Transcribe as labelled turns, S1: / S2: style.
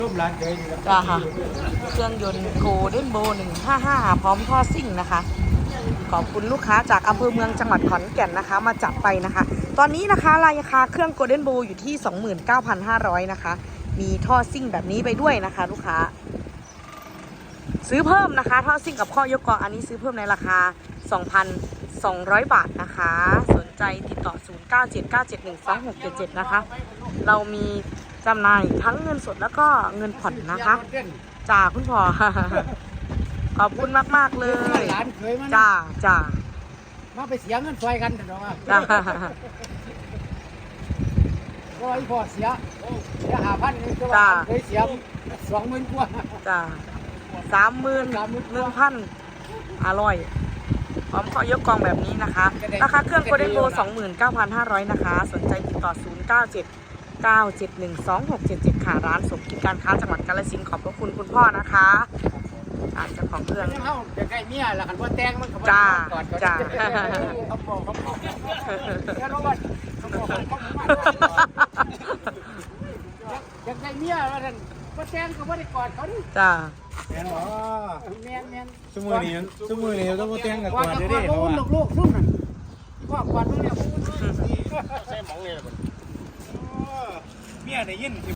S1: จ้าค่ะเครื่องยนต์โกลเด้นโบ155พร้อมท่อซิ่งนะคะขอบคุณลูกค้าจากอำเภอเมืองจังหวัดขอนแก่นนะคะมาจับไปนะคะตอนนี้นะคะราคาเครื่องโกลเด้นโบอยู่ที่ 29,500 นะคะมีท่อซิ่งแบบนี้ไปด้วยนะคะลูกค้าซื้อเพิ่มนะคะท่อซิ่งกับข้อยกกองอันนี้ซื้อเพิ่มในราคา 2,200 บาทนะคะสนใจติดต่อ 0979712677 นะคะเรามีจำหน่ายทั้งเงินสดแล้วก็เงินผ่อนนะคะจ้าคุณพ่อ ขอบคุณมากๆเลยจ้าจ้า
S2: มาไปเสียเงินซอยกันเถอะเนาะ
S1: จ้า
S2: ก็ไอ้พ่อเสีย5,000นี่ก็ว่าเคยเสีย20,000กว่า
S1: จ้า31,000อร่อยพร้อมขอยกกองแบบนี้นะคะราคาเครื่องโกลเด้นโบ 29,500 นะคะสนใจติดต่อ 0979712677 ค่ะร้านสมกิจการค้าจังหวัดกาฬสินธุ์ขอบพระคุณคุณพ่อนะคะเจ้าของเครื่อง
S2: เฮาจะใกล้เมียแล้วคันบ่แต่งมันก็บ่
S1: จ้า
S2: ก่อน
S1: จ้า
S2: เขาบอกแล้วว่าเขาบอกอยากได้เมียว่าซั่นบ่แต่งก็บ่ได้กอดเขาดิ
S1: จ้า
S2: แม่นบ่แม่น
S3: สมือนี้ต้องมาแต่งกับก่อนเด้อ
S2: เพราะว่าลูกๆซุ่มนั่นพ่อกอดลูกเนี่ย
S3: เมียได้ยิน